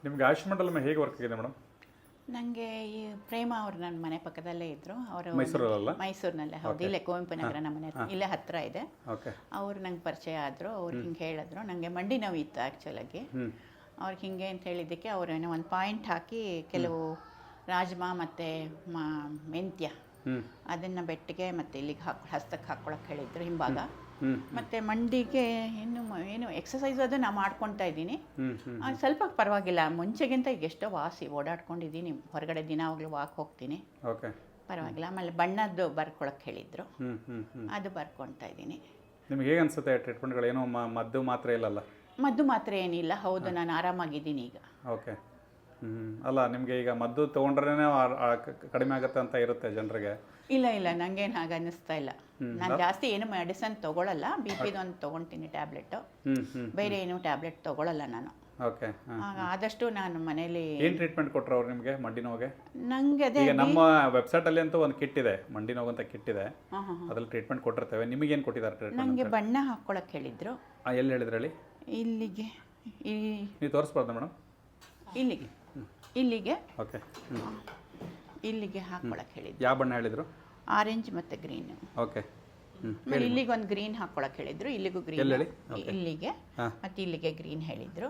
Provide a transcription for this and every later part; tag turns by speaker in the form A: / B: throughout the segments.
A: ನಿಮ್ಗೆ ಆಯುಷ್ ಮಂಡಲಮ್ ಹೇಗೆ ವರ್ಕ್ ಆಗಿದೆ ಮೇಡಮ್?
B: ನನಗೆ ಈ ಪ್ರೇಮ ಅವರು ನನ್ನ ಮನೆ ಪಕ್ಕದಲ್ಲೇ ಇದ್ದರು. ಅವರು
A: ಮೈಸೂರಲ್ಲ?
B: ಮೈಸೂರಿನಲ್ಲೇ, ಹೌದು. ಇಲ್ಲೇ ಕುವೆಂಪು ನಗರ ನಮ್ಮ ಮನೆ ಇಲ್ಲೇ ಹತ್ತಿರ ಇದೆ.
A: ಓಕೆ.
B: ಅವ್ರು ನಂಗೆ ಪರಿಚಯ ಆದರು. ಅವ್ರು ಹಿಂಗೆ ಹೇಳಿದ್ರು, ನನಗೆ ಮಂಡಿ ನೋವು ಇತ್ತು ಆ್ಯಕ್ಚುಲಾಗಿ. ಅವ್ರಿಗೆ ಹಿಂಗೆ ಅಂತ ಹೇಳಿದ್ದಕ್ಕೆ ಅವರು ಏನೋ ಒಂದು ಪಾಯಿಂಟ್ ಹಾಕಿ ಕೆಲವು ರಾಜ್ಮಾ ಮತ್ತು ಮೆಂತ್ಯ ಅದನ್ನು ಬೆಟ್ಟಿಗೆ ಮತ್ತು ಇಲ್ಲಿಗೆ ಹಸ್ತಕ್ಕೆ ಹಾಕ್ಕೊಳಕ್ಕೆ ಹೇಳಿದ್ರು ಹಿಂಭಾಗ. ಮತ್ತು ಮಂಡಿಗೆ ಏನು ಎಕ್ಸಸೈಸ್ ಅದು ನಾನು ಮಾಡ್ಕೊತಾ ಇದ್ದೀನಿ. ಸ್ವಲ್ಪ ಪರವಾಗಿಲ್ಲ, ಮುಂಚೆಗಿಂತ ಈಗ ಎಷ್ಟೋ ವಾಸಿ ಓಡಾಡ್ಕೊಂಡಿದ್ದೀನಿ. ಹೊರಗಡೆ ದಿನಾವಾಗಲೂ ವಾಕ್ ಹೋಗ್ತೀನಿ, ಪರವಾಗಿಲ್ಲ. ಆಮೇಲೆ ಬಣ್ಣದ್ದು ಬರ್ಕೊಳಕ್ಕೆ ಹೇಳಿದ್ರು, ಅದು ಬರ್ಕೊತಾ ಇದ್ದೀನಿ.
A: ನಿಮ್ಗೆ ಹೇಗೆ ಅನಿಸುತ್ತೆ ಟ್ರೀಟ್ಮೆಂಟ್ಗಳು? ಏನೋ ಮದ್ದು ಮಾತ್ರ ಇಲ್ಲಲ್ಲ?
B: ಮದ್ದು ಮಾತ್ರ ಏನಿಲ್ಲ, ಹೌದು. ನಾನು ಆರಾಮಾಗಿದ್ದೀನಿ ಈಗ.
A: ಓಕೆ. ಅಲ್ಲ, ನಿಮಗೆ ಈಗ ಮದ್ದು ತೊಗೊಂಡ್ರೇ ಕಡಿಮೆ ಆಗುತ್ತೆ ಅಂತ ಇರುತ್ತೆ ಜನರಿಗೆ?
B: ಇಲ್ಲ ಇಲ್ಲ, ನನಗೇನು ಹಾಗೆ ಅನ್ನಿಸ್ತಾ ಇಲ್ಲ. ನಾನು ಜಾಸ್ತಿ ಏನು ಮೆಡಿಸನ್ ತೊಗೊಳ್ಳಲ್ಲ. ಬಿ ಪಿದು ಒಂದು ತೊಗೊಳ್ತೀನಿ ಟ್ಯಾಬ್ಲೆಟು, ಬೇರೆ ಏನು ಟ್ಯಾಬ್ಲೆಟ್ ತೊಗೊಳ್ಳಲ್ಲ ನಾನು.
A: ಓಕೆ.
B: ಆದಷ್ಟು ನಾನು ಮನೇಲಿ.
A: ಏನು ಟ್ರೀಟ್ಮೆಂಟ್ ಕೊಟ್ಟರು ಅವ್ರು ನಿಮಗೆ ಮಂಡಿ ನೋವಿಗೆ?
B: ನನಗೆ ಅದೇ
A: ಈಗ ನಮ್ಮ ವೆಬ್ಸೈಟಲ್ಲಿ ಅಂತೂ ಒಂದು ಕಿಟ್ ಇದೆ, ಮಂಡಿ ನೋವು ಅಂತ ಕಿಟ್ ಇದೆ, ಅದ್ರಲ್ಲಿ ಟ್ರೀಟ್ಮೆಂಟ್ ಕೊಟ್ಟಿರ್ತೇವೆ. ನಿಮಗೇನು ಕೊಟ್ಟಿದ್ದಾರೆ ಟ್ರೀಟ್ಮೆಂಟ್?
B: ನನಗೆ ಬಣ್ಣ ಹಾಕ್ಕೊಳಕ್ಕೆ ಹೇಳಿದ್ರು.
A: ಎಲ್ಲಿ ಹೇಳಿದ್ರು ಹೇಳಿ?
B: ಇಲ್ಲಿಗೆ.
A: ನೀವು ತೋರಿಸ್ಬಾರ್ದು ಮೇಡಮ್?
B: ಇಲ್ಲಿಗೆ ಇಲ್ಲಿಗೆ.
A: ಓಕೆ.
B: ಇಲ್ಲಿಗೆ ಹಾಕ್ಕೊಳಕ್ಕೆ ಹೇಳಿದ್ರು.
A: ಯಾವ ಬಣ್ಣ ಹೇಳಿದ್ರು?
B: ಆರೆಂಜ್ ಮತ್ತು ಗ್ರೀನ್.
A: ಓಕೆ.
B: ಆಮೇಲೆ ಇಲ್ಲಿಗೆ ಒಂದು ಗ್ರೀನ್ ಹಾಕ್ಕೊಳಕ್ಕೆ ಹೇಳಿದ್ರು. ಇಲ್ಲಿಗೂ ಗ್ರೀನ್, ಇಲ್ಲಿಗೆ ಮತ್ತು ಇಲ್ಲಿಗೆ ಗ್ರೀನ್ ಹೇಳಿದ್ರು.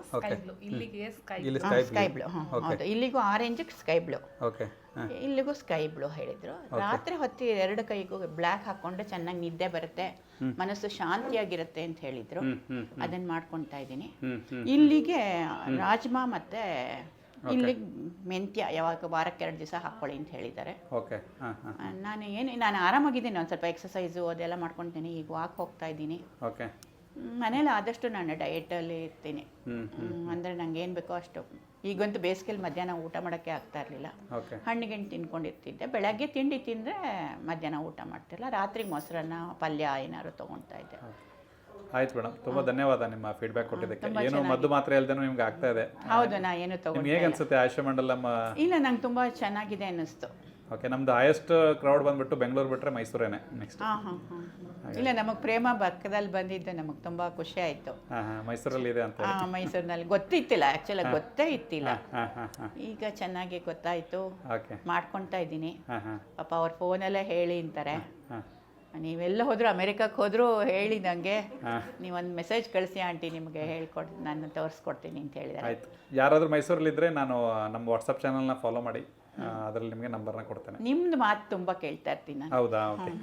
B: Sky blue. ಹೌದು, ಇಲ್ಲಿಗೂ ಆರೆಂಜ್, ಸ್ಕೈ ಬ್ಲೂ.
A: ಓಕೆ.
B: ಇಲ್ಲಿಗೂ ಸ್ಕೈ ಬ್ಲೂ ಹೇಳಿದ್ರು. ರಾತ್ರಿ ಹೊತ್ತಿ 2 ಕೈಗೂ ಬ್ಲ್ಯಾಕ್ ಹಾಕ್ಕೊಂಡ್ರೆ ಚೆನ್ನಾಗಿ ನಿದ್ದೆ ಬರುತ್ತೆ, ಮನಸ್ಸು ಶಾಂತಿಯಾಗಿರುತ್ತೆ ಅಂತ ಹೇಳಿದ್ರು. ಅದನ್ನು ಮಾಡ್ಕೊತಾ ಇದ್ದೀನಿ. ಇಲ್ಲಿಗೆ ರಾಜ್ಮಾ ಮತ್ತು ಇಲ್ಲಿಗೆ ಮೆಂತ್ಯ ಯಾವಾಗ ವಾರಕ್ಕೆ 2 ದಿವಸ ಹಾಕ್ಕೊಳ್ಳಿ ಅಂತ ಹೇಳಿದ್ದಾರೆ.
A: ಓಕೆ.
B: ನಾನು ಆರಾಮಾಗಿದ್ದೀನಿ. ಒಂದು ಸ್ವಲ್ಪ ಎಕ್ಸಸೈಸು ಅದೆಲ್ಲ ಮಾಡ್ಕೊತೀನಿ. ಈಗ ವಾಕ್ ಹೋಗ್ತಾ ಇದ್ದೀನಿ.
A: ಓಕೆ.
B: ಮನೇಲಿ ಆದಷ್ಟು ನಾನು ಡಯಟಲ್ಲಿ ಇರ್ತೀನಿ. ಅಂದರೆ ನಂಗೆ ಏನು ಬೇಕೋ ಅಷ್ಟು. ಈಗಂತೂ ಬೇಸಿಗೆಲಿ ಮಧ್ಯಾಹ್ನ ಊಟ ಮಾಡೋಕ್ಕೆ ಆಗ್ತಾ ಇರಲಿಲ್ಲ. ಹಣ್ಣಿಗೆಣ್ಣು ತಿನ್ಕೊಂಡಿರ್ತಿದ್ದೆ. ಬೆಳಗ್ಗೆ ತಿಂಡಿ ತಿಂದರೆ ಮಧ್ಯಾಹ್ನ ಊಟ ಮಾಡ್ತಿರಲಿಲ್ಲ. ರಾತ್ರಿ ಮೊಸರನ್ನ ಪಲ್ಯ ಏನಾದ್ರು ತೊಗೊಳ್ತಾ ಇದ್ದೆ.
A: ಆಯ್ತು ಮೇಡಮ್, ತುಂಬ ಧನ್ಯವಾದ ನಿಮ್ಮ ಫೀಡ್ಬ್ಯಾಕ್ ಕೊಟ್ಟಿದ್ದಕ್ಕೆ. ಏನು ಮದ್ದು ಮಾತ್ರ ಇಲ್ದೇನೂ ನಿಮ್ಗೆ ಆಗ್ತಾ ಇದೆ?
B: ಹೌದು, ನಾ ಏನು ತಗೊಂಡು.
A: ಹೇಗೆ ಅನ್ಸುತ್ತೆ ಆಯುಷ್ ಮಂಡಲಮ್?
B: ಇಲ್ಲ, ನಂಗೆ ತುಂಬ ಚೆನ್ನಾಗಿದೆ ಅನ್ನಿಸ್ತು.
A: ಓಕೆ. ನಮ್ದು ಹೈಯೆಸ್ಟ್ ಕ್ರೌಡ್ ಬಂದ್ಬಿಟ್ಟು ಬೆಂಗಳೂರು ಬಿಟ್ಟರೆ ಮೈಸೂರೇನೆ ನೆಕ್ಸ್ಟ್.
B: ಇಲ್ಲ, ನಮಗೆ ಪ್ರೇಮ ಪಕ್ಕದಲ್ಲಿ ಬಂದಿದ್ದು ನಮಗೆ ತುಂಬ ಖುಷಿ ಆಯಿತು.
A: ಮೈಸೂರಲ್ಲಿ ಇದೆ ಅಂತ?
B: ಮೈಸೂರಿನಲ್ಲಿ ಗೊತ್ತಿತ್ತಿಲ್ಲ, ಆ್ಯಕ್ಚುಲಿ ಗೊತ್ತೇ ಇತ್ತಿಲ್ಲ. ಈಗ ಚೆನ್ನಾಗಿ ಗೊತ್ತಾಯಿತು, ಮಾಡ್ಕೊತಾ ಇದ್ದೀನಿ. ಪಾಪ ಅವ್ರ ಫೋನಲ್ಲೇ ಹೇಳಿ ಅಂತಾರೆ, ನೀವೆಲ್ಲ ಹೋದ್ರು, ಅಮೆರಿಕಕ್ಕೆ ಹೋದ್ರು ಹೇಳಿ ನನಗೆ, ನೀವೊಂದು ಮೆಸೇಜ್ ಕಳಿಸಿ ಆಂಟಿ, ನಿಮಗೆ ಹೇಳ್ಕೊಟ್ಟು ನಾನು ತೋರಿಸ್ಕೊಡ್ತೀನಿ ಅಂತ ಹೇಳಿದ್ದಾರೆ.
A: ಆಯ್ತು. ಯಾರಾದರೂ ಮೈಸೂರಲ್ಲಿದ್ದರೆ ನಾನು ನಮ್ಮ ವಾಟ್ಸಪ್ ಚಾನಲ್ನ ಫಾಲೋ ಮಾಡಿ, ಅದರಲ್ಲಿ ನಿಮಗೆ ನಂಬರ್ನ ಕೊಡ್ತೇನೆ.
B: ನಿಮ್ದು ಮಾತು ತುಂಬ ಕೇಳ್ತಾ ಇರ್ತೀನಿ ನಾನು.
A: ಹೌದಾ? ಓಕೆ.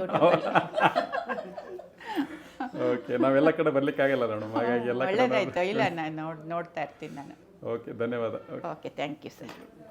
A: ಓಕೆ. ನಾವೆಲ್ಲ ಕಡೆ ಬರ್ಲಿಕ್ಕಾಗಲ್ಲ ಮೇಡಮ್, ಹಾಗಾಗಿ ಎಲ್ಲ
B: ಒಳ್ಳೇದಾಯ್ತು. ಇಲ್ಲ, ನಾನು ನೋಡ್ತಾ ಇರ್ತೀನಿ ನಾನು.
A: ಓಕೆ, ಧನ್ಯವಾದ.
B: Okay, thank you sir.